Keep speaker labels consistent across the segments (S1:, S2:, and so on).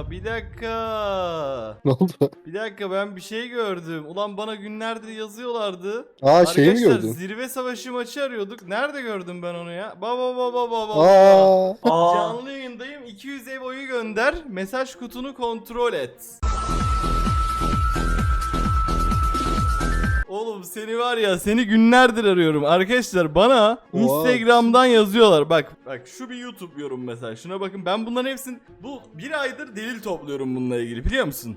S1: bir dakika.
S2: Ne oldu?
S1: Bir dakika, ben bir şey gördüm. Ulan bana günlerdir yazıyorlardı.
S2: Aa, şeyi mi
S1: Arkadaşlar,
S2: gördün?
S1: zirve savaşı maçı arıyorduk. Nerede gördüm ben onu ya? Baba.
S2: Aa.
S1: Canlı yayındayım. 200 ev oyu gönder. Mesaj kutunu kontrol et. Oğlum seni var ya, seni günlerdir arıyorum. Arkadaşlar bana Instagram'dan yazıyorlar. Bak şu bir YouTube yorum mesela. Şuna bakın, ben bunların hepsini bu bir aydır delil topluyorum bununla ilgili, biliyor musun?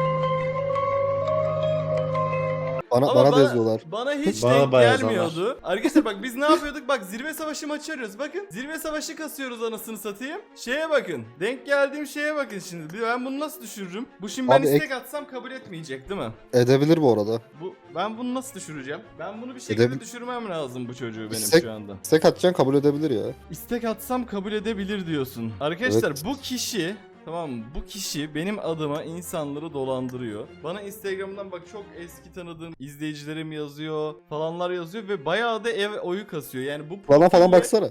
S2: Bana da yazıyorlar.
S1: Bana hiç
S3: Bana
S1: denk
S3: bayağı
S1: gelmiyordu. Arkadaşlar bak, biz ne yapıyorduk? Bak, zirve savaşı maçı arıyoruz. Bakın, zirve savaşı kasıyoruz anasını satayım. Şeye bakın. Denk geldiğim şeye bakın şimdi. Ben bunu nasıl düşürürüm? Bu şimdi ben
S2: Abi
S1: istek atsam kabul etmeyecek değil mi?
S2: Edebilir bu arada.
S1: Ben bunu nasıl düşüreceğim? Ben bunu bir şekilde düşürmem lazım, bu çocuğu benim
S2: İstek-
S1: şu anda.
S2: İstek atacaksın, kabul edebilir ya.
S1: İstek atsam kabul edebilir diyorsun. Arkadaşlar
S2: Evet.
S1: bu kişi, tamam mı? Bu kişi benim adıma insanları dolandırıyor. Bana Instagram'dan bak, çok eski tanıdığım izleyicilerim yazıyor, falanlar yazıyor ve bayağı da ev oyu kasıyor. Yani bu
S2: Bana falan
S1: profille-
S2: baksana.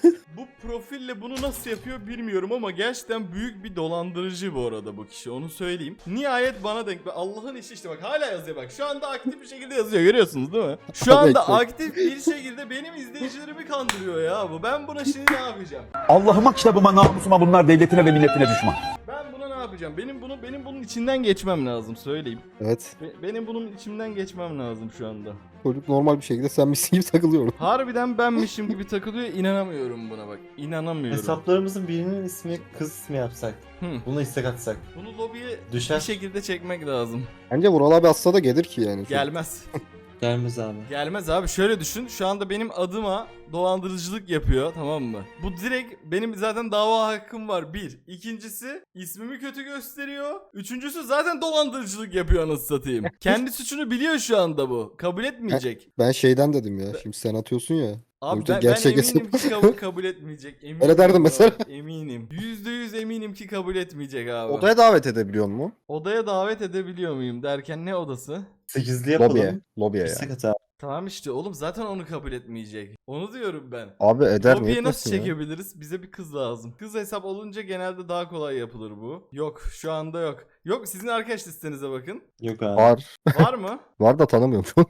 S1: Bu profille bunu nasıl yapıyor bilmiyorum ama gerçekten büyük bir dolandırıcı bu arada bu kişi, onu söyleyeyim. Nihayet bana denk. Allah'ın işi işte, bak hala yazıyor bak. Şu anda aktif bir şekilde yazıyor, görüyorsunuz değil mi? Şu anda
S2: Bekle.
S1: aktif bir şekilde benim izleyicilerimi kandırıyor ya bu. Ben buna şimdi ne yapacağım?
S4: Allah'ıma kitabıma namusuma bunlar devletine ve milletine düşman.
S1: Ben buna ne yapacağım? Benim bunun içinden geçmem lazım, söyleyeyim.
S2: Evet.
S1: Benim bunun içinden geçmem lazım şu anda.
S2: Çocuk normal bir şekilde sen misin gibi takılıyor.
S1: Harbiden benmişim gibi takılıyor, inanamıyorum buna bak. İnanamıyorum.
S3: Hesaplarımızın birinin ismi kız ismi yapsak.
S1: Hı.
S3: Bunu istek atsak.
S1: Bunu lobiye
S3: Düşer.
S1: bir şekilde çekmek lazım.
S2: Bence Vural abi atsa da gelir ki yani.
S1: Gelmez.
S3: Gelmez abi.
S1: Gelmez abi, şöyle düşün. Şu anda benim adıma dolandırıcılık yapıyor, tamam mı? Bu direkt benim zaten dava hakkım var, bir. İkincisi, ismimi kötü gösteriyor. Üçüncüsü, zaten dolandırıcılık yapıyor anasını satayım. Kendi suçunu biliyor şu anda bu. Kabul etmeyecek.
S2: Ben şeyden dedim ya. Şimdi sen atıyorsun ya.
S1: Abi
S2: Yoksa
S1: ben
S2: gerçek
S1: eminim ki kabul etmeyecek. Eminim
S2: Öyle derdim
S1: abi,
S2: mesela.
S1: Eminim. %100 eminim ki kabul etmeyecek abi.
S2: Odaya davet edebiliyor mu?
S1: Odaya davet edebiliyor muyum derken ne odası?
S3: 8'li yapalım.
S2: Lobiye ya.
S3: İstek at abi.
S1: Tamam işte oğlum, zaten onu kabul etmeyecek. Onu diyorum ben.
S2: Abi eder mi?
S1: Lobiye nasıl
S2: Etmesin ya.
S1: çekebiliriz? Bize bir kız lazım. Kız hesap olunca genelde daha kolay yapılır bu. Yok, şu anda yok. Yok, sizin arkadaş listenize bakın.
S3: Yok abi.
S2: Var.
S1: Var mı?
S2: Var da tanımıyorum şu an.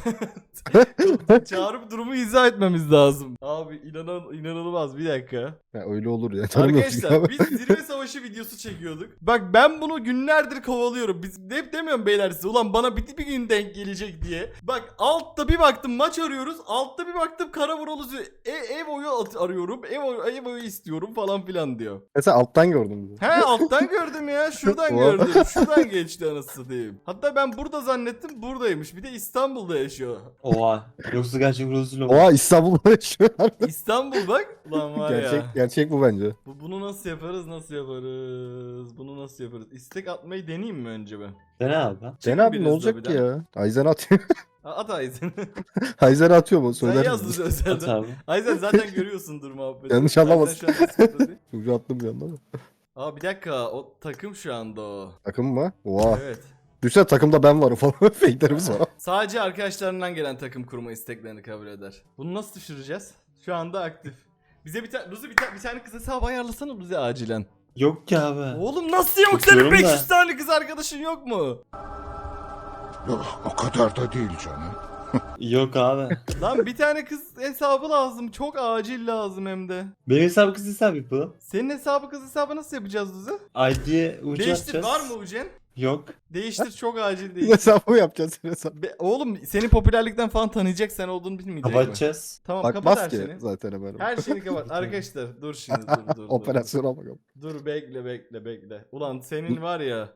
S1: Çağırıp durumu izah etmemiz lazım. Abi inanılmaz, bir dakika.
S2: Ya öyle olur ya. Tanımıyorum çünkü
S1: Arkadaşlar
S2: abi.
S1: biz zirve savaşı videosu çekiyorduk. Bak ben bunu günlerdir kovalıyorum. Biz hep demiyorum beyler size, ulan bana bir gün denk gelecek diye. Bak altta bir baktım maç arıyoruz. Altta bir baktım kara vuruluzu ev oyu arıyorum. Ev oyu istiyorum falan filan diyor.
S2: Mesela alttan gördüm bunu.
S1: He, alttan gördüm ya. Şuradan
S2: Oha.
S1: gördüm. Şuradan geçti anasını satayım. Hatta ben burada zannettim, buradaymış. Bir de İstanbul'da yaşıyor.
S3: Oha. Yoksa gerçek Rozulü mu?
S2: Oha, İstanbul'da yaşıyor.
S1: İstanbul bak. Ulan var
S2: Gerçek,
S1: ya.
S2: gerçek bu bence.
S1: Bunu nasıl yaparız? Bunu nasıl yaparız? İstek atmayı deneyeyim mi önce ben?
S3: Dene abi.
S2: Sen abi ne
S1: biraz
S2: olacak ki
S1: lobiden.
S2: ya? Ayzen atıyor.
S1: At Ayzen.
S2: Ayzen atıyor mu?
S1: Sen
S2: Söyler
S1: yazdın
S2: misin?
S3: At
S1: özelden.
S3: abi.
S1: Ayzen zaten görüyorsundur muhabbeti.
S2: Yanlış anlamasın.
S1: Ayzen şu an Discord'da değil.
S2: Çocuğu attım bir anda ama.
S1: Aa bir dakika, o takım şu anda o.
S2: Takım mı? Oha.
S1: Evet.
S2: Düşünsene takımda ben varım falan. Fake'lerimiz var.
S1: Sadece arkadaşlarından gelen takım kurma isteklerini kabul eder. Bunu nasıl düşüreceğiz? Şu anda aktif. Bize Luzi bir tane kız hesabı ayarlasana Luzi acilen.
S3: Yok ki abi.
S1: Oğlum nasıl yok, senin
S3: Tutuyorum da.
S1: 500 tane kız arkadaşın yok mu?
S5: Yok, o kadar da değil canım.
S3: Yok abi.
S1: Lan bir tane kız hesabı lazım. Çok acil lazım hem de.
S3: Benim hesabı kız hesap yapalım.
S1: Senin hesabı kız hesabı nasıl yapacağız Luzi?
S3: ID'ye ucu
S1: Değiştir,
S3: atacağız.
S1: var mı Ucen?
S3: Yok.
S1: Değiştir, çok acil
S2: Ne
S1: değil.
S2: hesabı mı yapacağız sen hesabı?
S1: Oğlum senin popülerlikten falan tanıyacak, sen olduğunu bilmeyecek mi?
S3: Kapatacağız.
S1: Tamam, kapat
S2: Bakmaz
S1: her
S2: ki
S1: şeyini.
S2: zaten hemen.
S1: Her şeyini kapat. Arkadaşlar dur şimdi, dur.
S2: Operasyona bakalım.
S1: Dur bekle. Ulan senin var ya.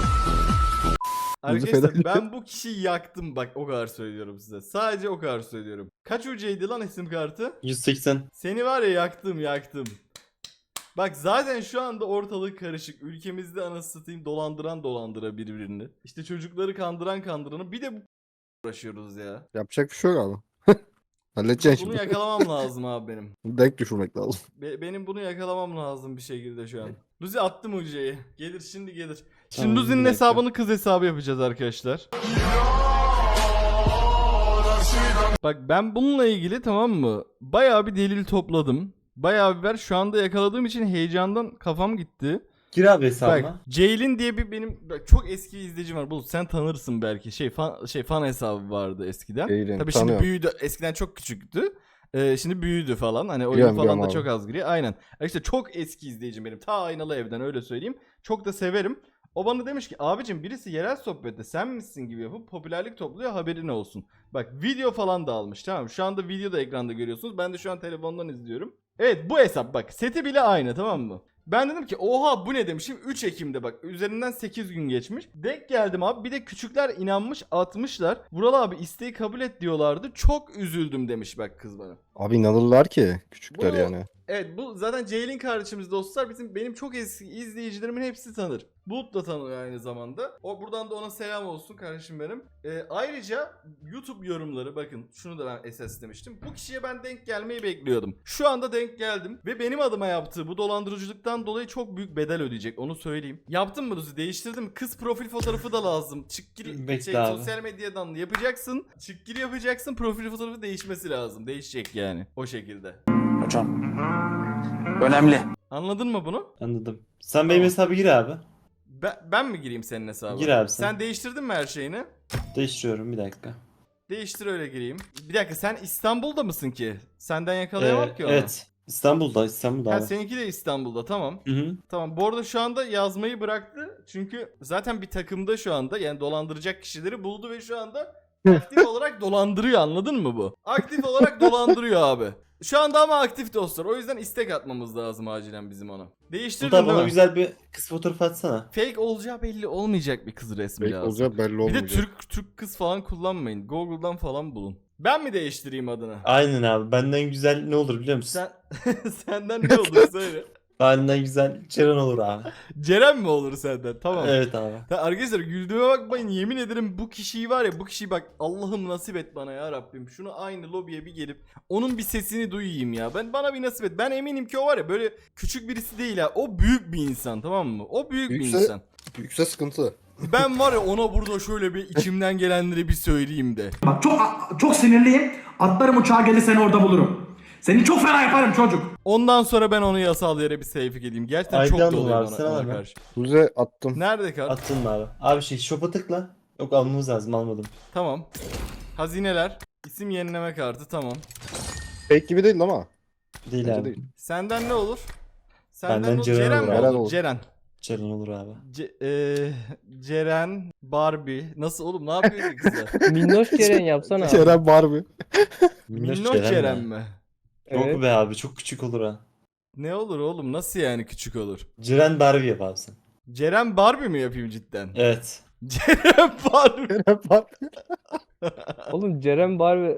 S2: Yüzü
S1: Arkadaşlar
S2: feda
S1: ben bu kişiyi yaktım, bak o kadar söylüyorum size. Sadece o kadar söylüyorum. Kaç UC'ydi lan isim kartı?
S3: 180.
S1: Seni var ya yaktım. Bak zaten şu anda ortalık karışık. Ülkemizde anasını satayım dolandıra birbirini. İşte çocukları kandıranı, bir de bu uğraşıyoruz ya.
S2: Yapacak bir şey yok abi. Halledeceksin
S1: Bunu
S2: şimdi.
S1: yakalamam lazım abi benim.
S2: Denk düşürmek lazım.
S1: Benim bunu yakalamam lazım bir şekilde şu an. Luzi attım UC'yi. Gelir. Şimdi
S3: Tamam,
S1: Luzi'nin
S3: bir dakika.
S1: hesabını kız hesabı yapacağız arkadaşlar. Bak ben bununla ilgili, tamam mı? Bayağı bir delil topladım. Bayağı bir şu anda yakaladığım için heyecandan kafam gitti.
S3: Gir abi
S1: Bak
S3: hesabıma.
S1: Ceylin diye bak, çok eski bir izleyicim var. Bulut sen tanırsın belki. Fan hesabı vardı eskiden.
S2: Ceylin,
S1: Tabii şimdi
S2: tanıyorum.
S1: büyüdü. Eskiden çok küçüktü. Şimdi büyüdü falan. Hani oyun
S2: Biliyorum,
S1: falan da
S2: biliyorum
S1: çok
S2: abi.
S1: az giriyor. Aynen. İşte çok eski izleyicim benim. Ta Aynalı Ev'den öyle söyleyeyim. Çok da severim. O bana demiş ki abicim birisi yerel sohbette sen misin gibi yapıp popülerlik topluyor, haberin olsun. Bak video falan da almış, tamam mı? Şu anda video da ekranda görüyorsunuz. Ben de şu an telefondan izliyorum. Evet, bu hesap bak, seti bile aynı, tamam mı? Ben dedim ki oha bu ne demişim, 3 Ekim'de bak üzerinden 8 gün geçmiş. Denk geldim abi, bir de küçükler inanmış atmışlar. Vural abi isteği kabul et diyorlardı, çok üzüldüm demiş bak kız bana.
S2: Abi inanırlar ki küçükler
S1: Bu-
S2: yani.
S1: Evet, bu zaten Ceylin kardeşimiz, dostlar, benim çok eski izleyicilerimin hepsi tanır. Bulut da tanıyor aynı zamanda. Buradan da ona selam olsun kardeşim benim. Ayrıca YouTube yorumları, bakın şunu da ben esas demiştim. Bu kişiye ben denk gelmeyi bekliyordum. Şu anda denk geldim ve benim adıma yaptığı bu dolandırıcılıktan dolayı çok büyük bedel ödeyecek, onu söyleyeyim. Yaptın mı Luzi? Değiştirdim. Kız profil fotoğrafı da lazım. Çık gir
S3: Bekle abi.
S1: sosyal medyadan yapacaksın. Çık gir yapacaksın. Profil fotoğrafı değişmesi lazım. Değişecek yani o şekilde.
S4: Hocam. Önemli.
S1: Anladın mı bunu?
S3: Anladım. Sen benim hesabı gir abi.
S1: Ben mi gireyim senin hesabına?
S3: Gir abi sen.
S1: Sen değiştirdin mi her şeyini?
S3: Değiştiriyorum bir dakika.
S1: Değiştir öyle gireyim. Bir dakika, sen İstanbul'da mısın ki? Senden yakalayamam ki onu.
S3: Evet. İstanbul'da
S1: Ha,
S3: abi.
S1: seninki de İstanbul'da, tamam.
S3: Hı hı.
S1: Tamam, bu arada şu anda yazmayı bıraktı. Çünkü zaten bir takımda şu anda, yani dolandıracak kişileri buldu ve şu anda aktif olarak dolandırıyor, anladın mı bu? Aktif olarak dolandırıyor abi. Şu anda ama aktif dostlar. O yüzden istek atmamız lazım acilen bizim ona. Değiştirdin
S3: Burada
S1: değil
S3: bana
S1: mi?
S3: güzel bir kız fotoğrafı atsana.
S1: Fake olacağı belli olmayacak bir kız resmi
S2: Belki
S1: lazım.
S2: olacak belli
S1: Bir de
S2: olmayacak.
S1: Türk kız falan kullanmayın. Google'dan falan bulun. Ben mi değiştireyim adını?
S3: Aynen abi. Benden güzel ne olur biliyor musun?
S1: Senden ne olur söyle.
S3: Benden güzel Ceren olur abi.
S1: Ceren mi olur senden? Tamam.
S3: Evet abi.
S1: Arkadaşlar güldüğüme bakmayın, yemin ederim bu kişiyi var ya, bu kişiyi bak, Allah'ım nasip et bana ya Rabbim. Şunu aynı lobiye bir gelip onun bir sesini duyayım ya. Bana bir nasip et. Ben eminim ki o var ya böyle küçük birisi değil ha. O büyük bir insan, tamam mı? O büyük bir
S2: Büyükse-
S1: insan.
S2: Büyükse sıkıntı.
S1: Ben var ya ona burada şöyle bir içimden gelenleri bir söyleyeyim de.
S6: Bak çok sinirliyim. Atlarım uçağa gelir seni orada bulurum. Seni çok fena yaparım çocuk.
S1: Ondan sonra ben onu yasal yere bir sevk edeyim. Gerçekten çok
S3: Aydan
S1: doluyor
S3: var,
S1: bana,
S3: sen al
S1: ona
S3: hemen.
S1: karşı.
S2: Tuze attım.
S1: Nerede kart?
S3: Attın mı abi? Abi shop'a tıkla. Yok almamız lazım almadım.
S1: Tamam. Hazineler. İsim yenileme kartı, tamam.
S2: Fake gibi değil ama.
S3: Değil
S2: Bence
S3: abi.
S2: değil.
S1: Senden ne olur? Senden
S3: Benden
S1: ne olur?
S3: Ceren
S1: Ceren
S3: olur
S1: mi
S3: abi.
S1: olur?
S2: Olur.
S1: Ceren.
S3: Ceren olur abi.
S1: Ceren, Barbie. Nasıl oğlum, ne yapıyor ki kızlar?
S7: Minnoş Ceren yapsana abi.
S2: Ceren Barbie.
S1: Minnoş Ceren mi?
S3: Yok
S7: Evet.
S3: be abi çok küçük olur ha.
S1: Ne olur oğlum, nasıl yani küçük olur?
S3: Ceren Barbie yap abi sen.
S1: Ceren Barbie mi yapayım cidden?
S3: Evet.
S1: Ceren Barbie.
S2: Ceren Barbie.
S7: Oğlum Ceren Barbie.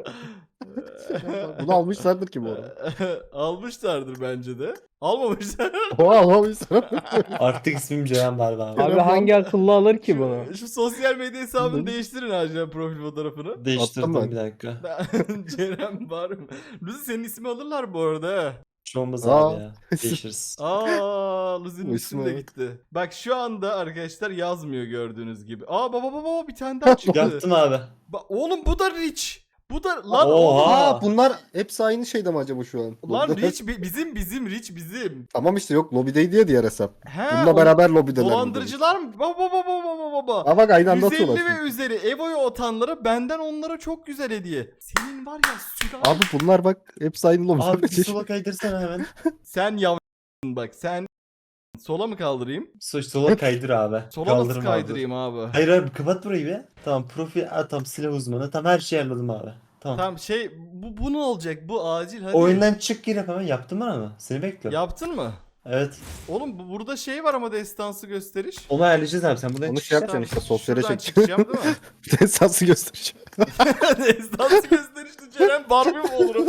S2: Bunu almışlardır ki bu arada.
S1: Almışlardır bence de. Almamışlar.
S2: Oha almamışlar.
S3: Artık ismim Ceren Barbie abi.
S7: Abi hangi akıllı alır ki bunu?
S1: Şu sosyal medya hesabını değiştirin acilen, profil fotoğrafını.
S3: Değiştirdim
S2: Attım ben.
S3: bir dakika.
S1: Ceren Barbie. Luzi senin ismi alırlar bu arada ha.
S3: Hiç olmaz
S2: Aa.
S3: abi ya. Değişiriz.
S1: Luzi'nin
S2: Bu
S1: ismi
S2: ismi
S1: de
S2: evet.
S1: gitti. Bak şu anda arkadaşlar yazmıyor gördüğünüz gibi. Baba bir tane daha çıktı.
S3: Yaptım abi.
S1: Oğlum bu da Rich. Bu da lan
S3: Oha.
S2: Aa bunlar hepsi aynı şeyde mi acaba şu an?
S1: Lan
S2: Lobide-
S1: Rich bizim Rich bizim.
S2: Tamam işte yok lobideydi ya diğer hesap.
S1: He,
S2: Bununla beraber lobideler.
S1: dolandırıcılar mı? Baba.
S2: Aa bak aynı anda
S1: 150
S2: atıyorlar.
S1: ve üzeri Evo'yu atanlara benden onlara çok güzel hediye. Senin var ya süper.
S2: Abi bunlar bak hepsi aynı lobide.
S3: Abi bir sola kaydırsana hemen.
S1: Sen yavrum bak, sen sola mı kaldırayım?
S3: Sola kaydır abi.
S1: Sola nasıl
S3: Kaldırma abi.
S1: kaydırayım abi?
S3: Hayır abi kapat burayı be. Tamam profil tam silah uzmanı. Tam her şeyi ayarladım abi. Tamam.
S1: Tamam bu ne olacak? Bu acil hadi.
S3: Oyundan çık gir yap hemen. Yaptın mı ama? Seni bekliyorum.
S1: Yaptın mı?
S3: Evet.
S1: Oğlum burada şey var ama destansı gösteriş.
S3: Onu ayarlayacağız abi. Sen buradan
S2: Onu
S3: çık.
S2: şey yapacaksın işte sosyale
S1: Şuradan
S2: çekeceğim.
S1: çıkacağım değil mi?
S2: Esası göstereceğim.
S1: Destansı gösterişli Ceren Barbie mi olur?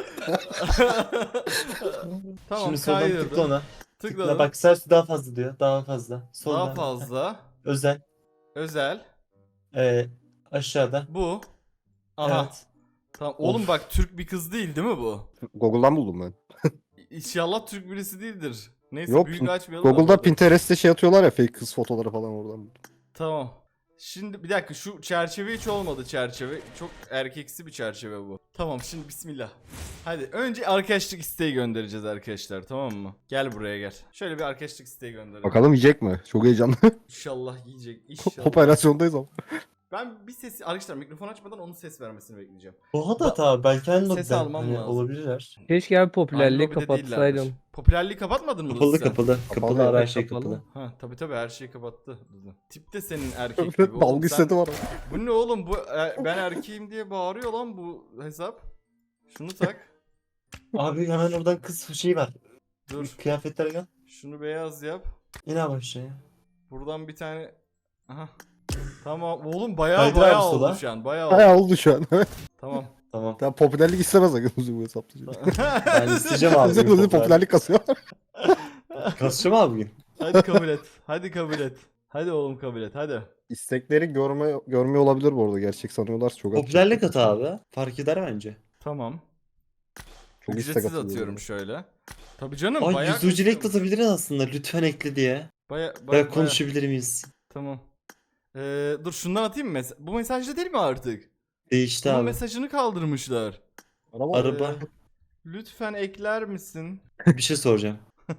S1: Tamam,
S3: Şimdi soldan tıkla
S1: kaydırdım.
S3: ona.
S1: Tıkladım.
S3: Tıkla bak sağ üstü daha fazla diyor. Daha fazla. Soldan.
S1: Daha fazla.
S3: Özel.
S1: Özel.
S3: Aşağıda.
S1: Bu. Aha.
S3: Evet.
S1: Tamam. Oğlum
S3: Of.
S1: bak Türk bir kız değil mi bu?
S2: Google'dan buldum ben.
S1: İnşallah Türk birisi değildir. Neyse
S2: Yok,
S1: büyük açmayalım. da
S2: Google'da
S1: burada.
S2: Pinterest'te şey atıyorlar ya fake kız fotoları falan oradan buldum.
S1: Tamam. Şimdi bir dakika, şu çerçeve hiç olmadı çerçeve. Çok erkeksi bir çerçeve bu. Tamam, şimdi bismillah. Hadi önce arkadaşlık isteği göndereceğiz arkadaşlar, tamam mı? Gel buraya gel. Şöyle bir arkadaşlık isteği gönderelim.
S2: Bakalım yiyecek mi? Çok heyecanlı.
S1: İnşallah yiyecek. İnşallah.
S2: Operasyondayız ama.
S1: Ben bir ses arkadaşlar mikrofon açmadan onun ses vermesini bekleyeceğim.
S3: Oha da tabi belki aynı
S1: Ses
S3: lobiden
S1: almam
S3: hani
S1: lazım.
S3: olabilirler.
S7: Keşke abi popülerliği
S1: Aynı lobide
S7: kapatsaydın.
S1: değillerdir. Popülerliği kapatmadın mı
S3: Kapalı
S1: Dudu sen?
S3: kapalı. Kapalı
S2: Kapalı,
S3: abi her şey
S7: kapalı.
S3: kapalı.
S1: Ha tabi her şeyi kapattı Dudu. Tip de senin erkek gibi oğlum.
S2: Dalga
S1: Sen-
S2: seti var.
S1: Bu ne oğlum, bu ben erkeğim diye bağırıyor lan bu hesap. Şunu tak.
S3: Abi hemen oradan kız şeyi var.
S1: Dur.
S3: Kıyafetlere gel.
S1: Şunu beyaz yap.
S3: İn abi aşağıya.
S1: Buradan bir tane. Aha. Tamam oğlum, bayağı
S3: Kaydır
S1: bayağı
S3: abi
S1: oldu
S3: sola.
S1: şu an. Bayağı oldu.
S2: Bayağı oldu şu an.
S1: Tamam.
S3: Tamam.
S2: Tamam, popülerlik istemez sakın bu hesapta.
S3: Ben isteyeceğim abi.
S2: Bize
S3: bugün
S2: böyle popülerlik kasıyor.
S3: Kasacağım abi bugün.
S1: Hadi kabul et. Hadi kabul et. Hadi oğlum kabul et. Hadi.
S2: İstekleri görmüyor olabilir bu arada. Gerçek sanıyorlar çok az.
S3: Popülerlik atı abi. Fark eder bence.
S1: Tamam.
S2: Çok istek
S1: Ücretsiz
S2: atılıyor
S1: atıyorum
S2: böyle.
S1: şöyle. Tabii canım,
S3: Ay
S1: bayağı
S3: yüzücülük
S1: kasıyorum.
S3: atabiliriz aslında. Lütfen ekle diye.
S1: Bayağı
S3: Konuşabilir miyiz?
S1: Tamam. Dur şundan atayım mı? Bu mesajda değil mi artık?
S3: Değişti
S1: Bunun
S3: abi.
S1: mesajını kaldırmışlar.
S3: Araba.
S1: Lütfen ekler misin?
S3: Bir şey soracağım.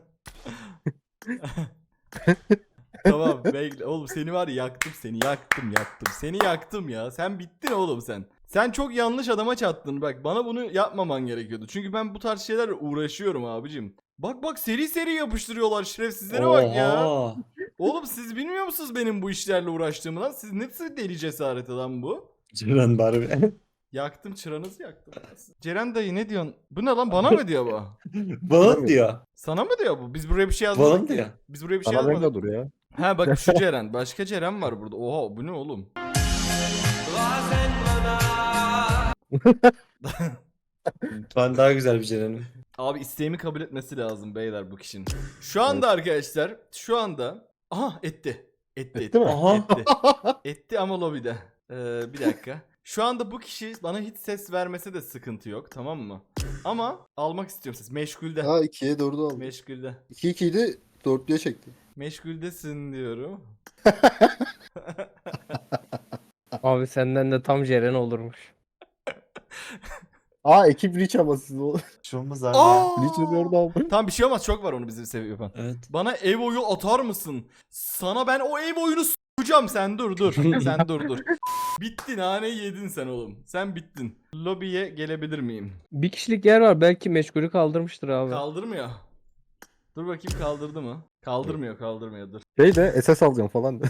S1: Tamam bekle. Oğlum seni var ya, yaktım seni, yaktım. Seni yaktım ya. Sen bittin oğlum sen. Sen çok yanlış adama çattın. Bak bana bunu yapmaman gerekiyordu. Çünkü ben bu tarz şeylerle uğraşıyorum abicim. Bak seri seri yapıştırıyorlar, şerefsizlere bak ya.
S3: Oha.
S1: Oğlum siz bilmiyor musunuz benim bu işlerle uğraştığımı lan? Siz nasıl deli cesareti lan bu?
S3: Ceren Barbie.
S1: Yaktım, çıranızı yaktım. Ceren dayı ne diyorsun? Bu ne lan, bana mı diyor bu?
S3: Bana mı diyor?
S1: Sana mı diyor bu? Biz buraya bir şey
S3: Bana
S1: yazmadık
S3: mı
S1: ki.
S3: diyor?
S1: Biz buraya bir şey
S2: Bana
S1: yazmadık.
S2: benimle dur ya.
S1: Ha bak şu Ceren. Başka Ceren var burada. Oha bu ne oğlum?
S3: Ben daha güzel bir Ceren'im.
S1: Abi isteğimi kabul etmesi lazım beyler bu kişinin. Şu anda arkadaşlar, şu anda aha etti.
S2: Etti mi?
S3: Aha.
S1: Etti. Etti ama lobide. Bir dakika. Şu anda bu kişi bana hiç ses vermese de sıkıntı yok, tamam mı? Ama almak istiyorum ses. Meşgulde.
S2: Ha 2'ye 4'ü aldı.
S1: Meşgulde.
S2: 2-2'ydi 4'lüye çekti.
S1: Meşguldesin diyorum.
S7: Abi senden de tam Ceren olurmuş.
S2: Aa ekip reach ama siz o.
S3: Bir şey olmaz abi.
S2: Reach ediyor da abi.
S1: Tamam bir şey olmaz, çok var onu bizim seviye yapan.
S3: Evet.
S1: Bana ev oyu atar mısın? Sana ben o ev oyunu s**acağım, sen dur. Sen dur. Bittin, naneyi yedin sen oğlum. Sen bittin. Lobiye gelebilir miyim?
S7: Bir kişilik yer var, belki meşgulü kaldırmıştır abi.
S1: Kaldırmıyor. Dur bakayım kaldırdı mı? Kaldırmıyor dur.
S2: Şey de SS alacağım falan.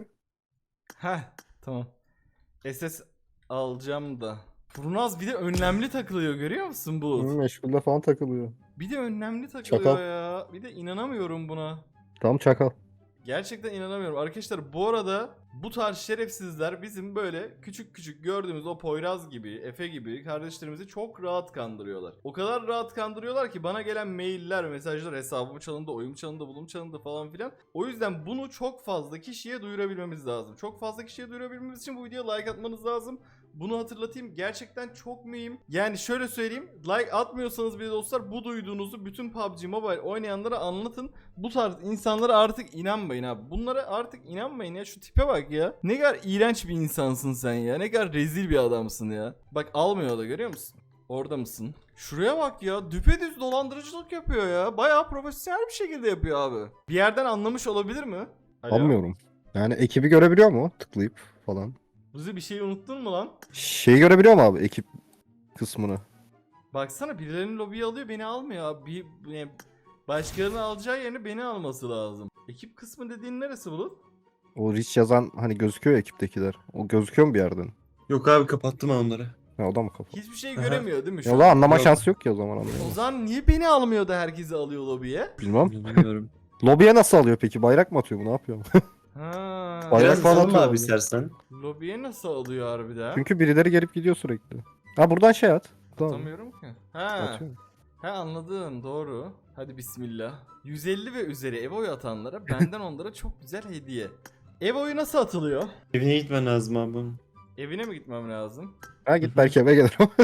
S1: Heh tamam. SS alacağım da. Furnaz bir de önlemli takılıyor, görüyor musun Bulut?
S2: Meşgulde falan takılıyor.
S1: Bir de önlemli takılıyor
S2: Çakal.
S1: ya. Bir de inanamıyorum buna.
S2: Tam çakal.
S1: Gerçekten inanamıyorum. Arkadaşlar bu arada bu tarz şerefsizler bizim böyle küçük gördüğümüz o Poyraz gibi, Efe gibi kardeşlerimizi çok rahat kandırıyorlar. O kadar rahat kandırıyorlar ki bana gelen mailler, mesajlar, hesabım çalındı, oyum çalındı, bulum çalındı falan filan. O yüzden bunu çok fazla kişiye duyurabilmemiz lazım. Çok fazla kişiye duyurabilmemiz için bu videoya like atmanız lazım. Bunu hatırlatayım, gerçekten çok mühim. Yani şöyle söyleyeyim, like atmıyorsanız bile dostlar bu duyduğunuzu bütün PUBG Mobile oynayanlara anlatın. Bu tarz insanlara artık inanmayın abi. Bunlara artık inanmayın ya, şu tipe bak ya. Ne kadar iğrenç bir insansın sen ya, ne kadar rezil bir adamsın ya. Bak almıyor da, görüyor musun? Orada mısın? Şuraya bak ya, düpedüz dolandırıcılık yapıyor ya. Bayağı profesyonel bir şekilde yapıyor abi. Bir yerden anlamış olabilir mi? Alo?
S2: Anlamıyorum. Yani ekibi görebiliyor mu? Tıklayıp falan.
S1: Buzi bir şey unuttun mu lan?
S2: Şeyi görebiliyor mu abi ekip kısmını?
S1: Baksana birilerinin lobiyi alıyor, beni almıyor abi. Başkalarını alacağı yerine beni alması lazım. Ekip kısmı dediğin neresi Bulut?
S2: O reach yazan hani gözüküyor ya ekiptekiler. O gözüküyor mu bir yerden?
S3: Yok abi kapattım ben onları.
S2: Ha o da mı kapalı?
S1: Hiçbir şey
S3: Aha.
S1: göremiyor değil mi şu
S2: Ya o
S1: an?
S2: zaman anlama
S3: Yok.
S2: şansı yok ki o zaman
S1: O
S2: anlayamam.
S1: zaman niye beni almıyor da herkesi alıyor lobiye?
S2: Bilmem.
S3: Bilmiyorum.
S2: Lobiye nasıl alıyor peki? Bayrak mı atıyor bu? Ne yapıyor?
S1: Ha.
S2: Bayrak
S3: Biraz
S2: falan
S3: salın
S2: atıyor
S3: abi
S2: abi.
S3: istersen.
S1: Lobiye nasıl alıyor harbiden?
S2: Çünkü birileri gelip gidiyor sürekli. Ha buradan şey at. Tamam.
S1: Atamıyorum ki. Ha.
S2: Atıyorum.
S1: Ha anladım, doğru. Hadi bismillah. 150 ve üzeri ev oyu atanlara benden onlara çok güzel hediye. Ev oyu nasıl atılıyor?
S3: Evine gitmen lazım abi.
S1: Evine mi gitmem lazım?
S2: Ha git belki eve gelir ama.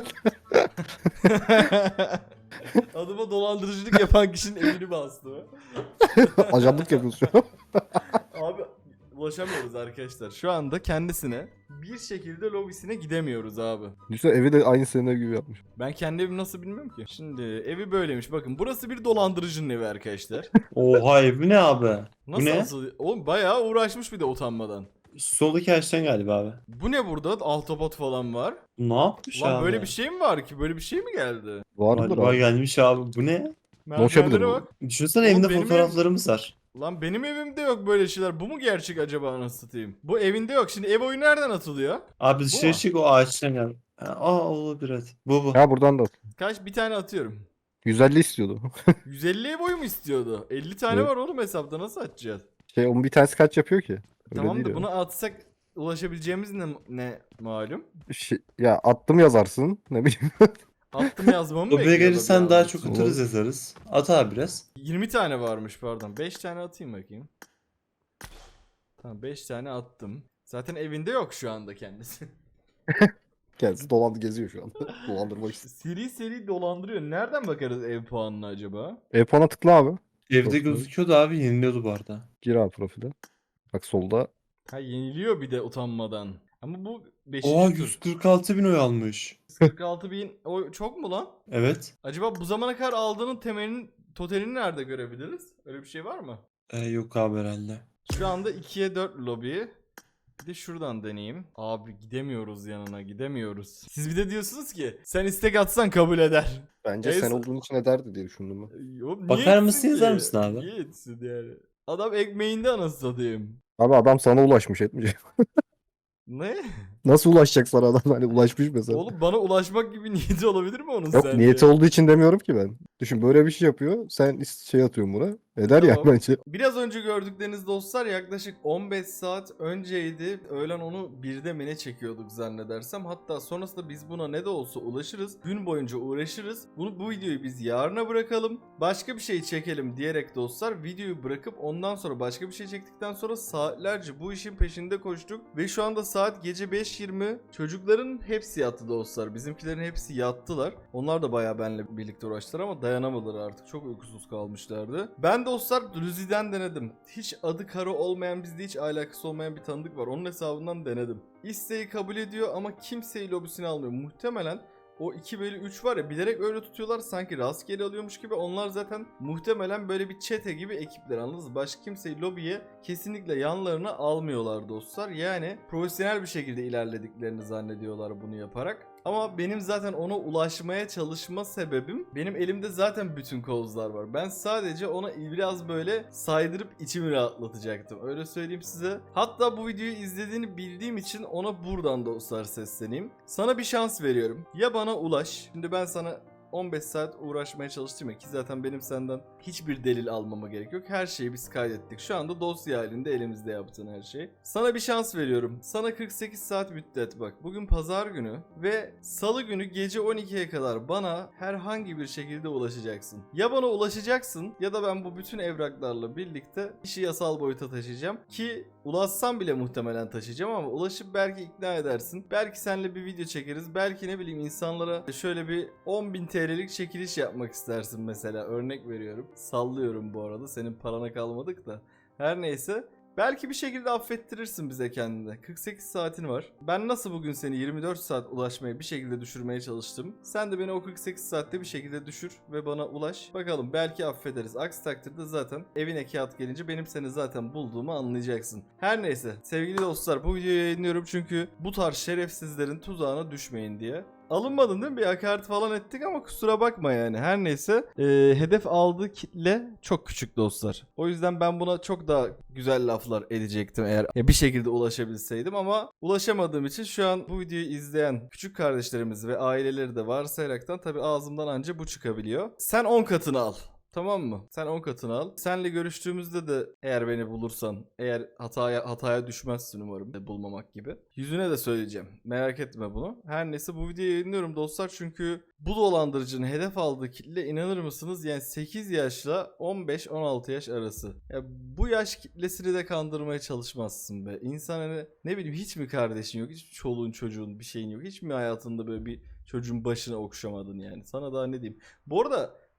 S1: Adıma dolandırıcılık yapan kişinin evini bastı.
S2: Ajanlık yapıyorsun şu an.
S1: Abi ulaşamıyoruz arkadaşlar. Şu anda kendisine bir şekilde lobisine gidemiyoruz abi.
S2: Düşünsene evi de aynı senin ev gibi yapmış.
S1: Ben kendi evimi nasıl bilmiyorum ki. Şimdi evi böyleymiş. Bakın burası bir dolandırıcının evi arkadaşlar.
S3: Oha bu ne abi?
S1: Nasıl
S3: Bu ne?
S1: asıl? Oğlum bayağı uğraşmış bir de utanmadan.
S3: Soldaki ağaçtan galiba abi.
S1: Bu ne burada? Ahtapot falan var.
S3: Bu ne yapmış
S1: Lan
S3: abi?
S1: böyle bir şey mi var ki? Böyle bir şey mi geldi?
S2: Vardır
S3: Galiba
S2: abi.
S3: gelmiş abi. Bu ne?
S2: Ulaşabilir
S1: Merdivenlere
S2: bu.
S1: bak.
S3: Düşünsene
S1: Oğlum
S3: evinde
S1: benim
S3: fotoğraflarımız var.
S1: Lan benim evimde yok böyle şeyler. Bu mu gerçek acaba anasını satayım? Bu evinde yok. Şimdi ev oyunu nereden atılıyor?
S3: Abi
S1: mu?
S3: dışarı çık o ağaçtan gel. Olabilir evet. Bu.
S2: Ya buradan da
S1: Kaç? Bir tane atıyorum.
S2: 150 istiyordu.
S1: 150 ev oyu mu istiyordu? 50 tane
S2: Evet.
S1: var oğlum hesapta, nasıl atacağız?
S2: Onun bir tanesi kaç yapıyor ki? Öyle
S1: Tamam
S2: değil
S1: da
S2: ya.
S1: bunu atsak ulaşabileceğimiz ne malum?
S2: Ya attım yazarsın. Ne bileyim.
S1: Attım yazmamı
S3: Lobiye
S1: bekliyor
S3: gelirsen
S1: lobi
S3: daha
S1: almak
S3: çok
S1: için.
S3: atarız yazarız. At abi biraz.
S1: 20 tane varmış pardon. 5 tane atayım bakayım. Tamam 5 tane attım. Zaten evinde yok şu anda kendisi.
S2: Kendisi dolandı geziyor şu an. Dolandırmak istiyor.
S1: Seri seri dolandırıyor. Nereden bakarız ev puanına acaba?
S2: E-puan'a tıkla abi.
S3: Evde
S2: Profil.
S3: gözüküyordu abi yeniliyordu bu arada.
S2: Gir abi profile. Bak solda.
S1: Ha yeniliyor bir de utanmadan. Ama bu 5.
S3: Oha
S1: tur.
S3: 146 bin oy almış.
S1: 46 bin o çok mu lan?
S3: Evet.
S1: Acaba bu zamana kadar aldığının temelinin totalini nerede görebiliriz? Öyle bir şey var mı?
S3: Yok abi herhalde.
S1: Şu anda 2'ye 4 lobi. Bir de şuradan deneyeyim. Abi gidemiyoruz yanına, gidemiyoruz. Siz bir de diyorsunuz ki sen istek atsan kabul eder.
S2: Bence
S1: Neyse.
S2: sen olduğun için ederdi diye düşündüm ben.
S1: Oğlum niye
S3: Bakar
S1: etsin
S3: mısın,
S1: ki?
S3: yazar mısın abi?
S1: Niye etsin yani? Adam ekmeğinde anasını satayım.
S2: Abi adam sana ulaşmış etmeyecek.
S1: Ne?
S2: Nasıl ulaşacak sana adam hani ulaşmış mesela.
S1: Oğlum bana ulaşmak gibi niyeti olabilir mi onun
S2: Yok
S1: sence?
S2: niyeti olduğu için demiyorum ki ben. Düşün böyle bir şey yapıyor. Sen şey atıyorsun buna. Eder ya
S1: Tamam.
S2: bence.
S1: Biraz önce gördükleriniz dostlar yaklaşık 15 saat önceydi. Öğlen onu 1'de mi ne çekiyorduk zannedersem. Hatta sonrasında biz buna ne de olsa ulaşırız. Gün boyunca uğraşırız. Bu videoyu biz yarına bırakalım. Başka bir şey çekelim diyerek dostlar videoyu bırakıp ondan sonra başka bir şey çektikten sonra saatlerce bu işin peşinde koştuk. Ve şu anda saat gece 5:20. Çocukların hepsi yattı dostlar. Bizimkilerin hepsi yattılar. Onlar da bayağı benimle birlikte uğraştılar ama dayanamadılar artık. Çok uykusuz kalmışlardı. Ben dostlar Luzi'den denedim. Hiç adı Karo olmayan, bizde hiç alakası olmayan bir tanıdık var. Onun hesabından denedim. İsteği kabul ediyor ama kimseyi lobisine almıyor. Muhtemelen o 2/3 var ya, bilerek öyle tutuyorlar sanki rastgele alıyormuş gibi. Onlar zaten muhtemelen böyle bir çete gibi ekipler, anladınız mı? Başka kimseyi lobiye kesinlikle yanlarına almıyorlar dostlar. Yani profesyonel bir şekilde ilerlediklerini zannediyorlar bunu yaparak. Ama benim zaten ona ulaşmaya çalışma sebebim, benim elimde zaten bütün kozlar var. Ben sadece ona biraz böyle saydırıp içimi rahatlatacaktım. Öyle söyleyeyim size. Hatta bu videoyu izlediğini bildiğim için ona buradan dostlar sesleneyim. Sana bir şans veriyorum. Ya bana ulaş. Şimdi ben sana 15 saat uğraşmaya çalıştım ya, ki zaten benim senden hiçbir delil almama gerek yok. Her şeyi biz kaydettik. Şu anda dosya halinde elimizde yaptığın her şey. Sana bir şans veriyorum. Sana 48 saat müddet bak. Bugün pazar günü ve salı günü gece 12'ye kadar bana herhangi bir şekilde ulaşacaksın. Ya bana ulaşacaksın ya da ben bu bütün evraklarla birlikte işi yasal boyuta taşıyacağım. Ki ulaşsam bile muhtemelen taşıyacağım ama ulaşıp belki ikna edersin. Belki seninle bir video çekeriz. Belki ne bileyim insanlara şöyle bir 10.000 TL'lik çekiliş yapmak istersin mesela. Örnek veriyorum. Sallıyorum bu arada. Senin parana kalmadık da. Her neyse. Belki bir şekilde affettirirsin bize kendini. 48 saatin var. Ben nasıl bugün seni 24 saat ulaşmaya bir şekilde düşürmeye çalıştım. Sen de beni o 48 saatte bir şekilde düşür ve bana ulaş. Bakalım belki affederiz. Aksi takdirde zaten evine kağıt gelince benim seni zaten bulduğumu anlayacaksın. Her neyse sevgili dostlar, bu videoyu yayınlıyorum çünkü bu tarz şerefsizlerin tuzağına düşmeyin diye. Alınmadın değil mi? Bir hakaret falan ettik ama kusura bakma yani. Her neyse. Hedef aldığı kitle çok küçük dostlar. O yüzden ben buna çok daha güzel laflar edecektim eğer bir şekilde ulaşabilseydim ama ulaşamadığım için şu an bu videoyu izleyen küçük kardeşlerimiz ve aileleri de varsayaraktan tabii ağzımdan anca bu çıkabiliyor. Sen 10 katını al. Tamam mı? Sen 10 katını al. Senle görüştüğümüzde de eğer beni bulursan, eğer hataya düşmezsin umarım, bulmamak gibi. Yüzüne de söyleyeceğim. Merak etme bunu. Her neyse bu videoyu yayınlıyorum dostlar çünkü bu dolandırıcının hedef aldığı kitle, inanır mısınız? Yani 8 yaşla 15-16 yaş arası. Ya bu yaş kitlesini de kandırmaya çalışmazsın be. İnsan hani ne bileyim, hiç mi kardeşin yok? Hiç mi çoluğun çocuğun bir şeyin yok? Hiç mi hayatında böyle bir çocuğun başına okşamadın yani? Sana daha ne diyeyim? Bu arada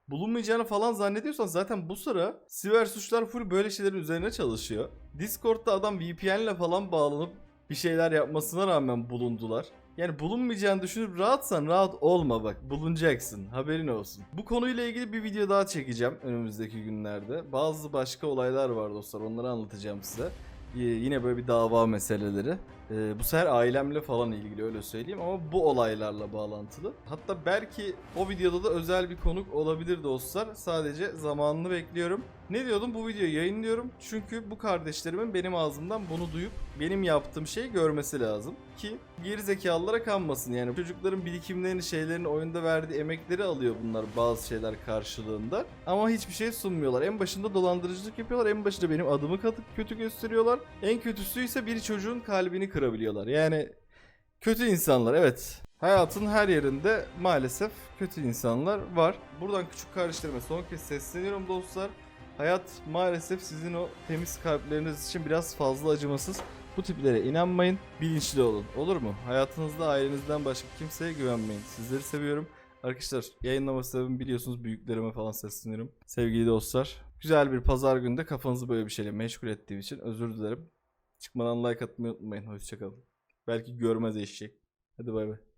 S1: bulunmayacağını falan zannediyorsan zaten bu sıra siber suçlar full böyle şeylerin üzerine çalışıyor. Discord'da adam VPN'le falan bağlanıp bir şeyler yapmasına rağmen bulundular. Yani bulunmayacağını düşünüp rahatsan rahat olma bak. Bulunacaksın. Haberin olsun. Bu konuyla ilgili bir video daha çekeceğim önümüzdeki günlerde. Bazı başka olaylar var dostlar. Onları anlatacağım size. Yine böyle bir dava meseleleri. Bu sefer ailemle falan ilgili öyle söyleyeyim ama bu olaylarla bağlantılı. Hatta belki o videoda da özel bir konuk olabilir dostlar. Sadece zamanını bekliyorum. Ne diyordum? Bu videoyu yayınlıyorum. Çünkü bu kardeşlerimin benim ağzımdan bunu duyup benim yaptığım şeyi görmesi lazım. Ki gerizekalılara kanmasın. Yani çocukların birikimlerini, şeylerini, oyunda verdiği emekleri alıyor bunlar bazı şeyler karşılığında. Ama hiçbir şey sunmuyorlar. En başında dolandırıcılık yapıyorlar. En başında benim adımı kötü gösteriyorlar. En kötüsü ise bir çocuğun kalbini kırabiliyorlar. Yani kötü insanlar, evet. Hayatın her yerinde maalesef kötü insanlar var. Buradan küçük kardeşlerime son kez sesleniyorum dostlar. Hayat maalesef sizin o temiz kalpleriniz için biraz fazla acımasız. Bu tiplere inanmayın, bilinçli olun. Olur mu? Hayatınızda ailenizden başka kimseye güvenmeyin. Sizleri seviyorum. Arkadaşlar yayınlama sebebimi biliyorsunuz, büyüklerime falan sesleniyorum. Sevgili dostlar, güzel bir pazar günde kafanızı böyle bir şeyle meşgul ettiğim için özür dilerim. Çıkmadan like atmayı unutmayın. Hoşçakalın. Belki görmez eşek. Hadi bay bay.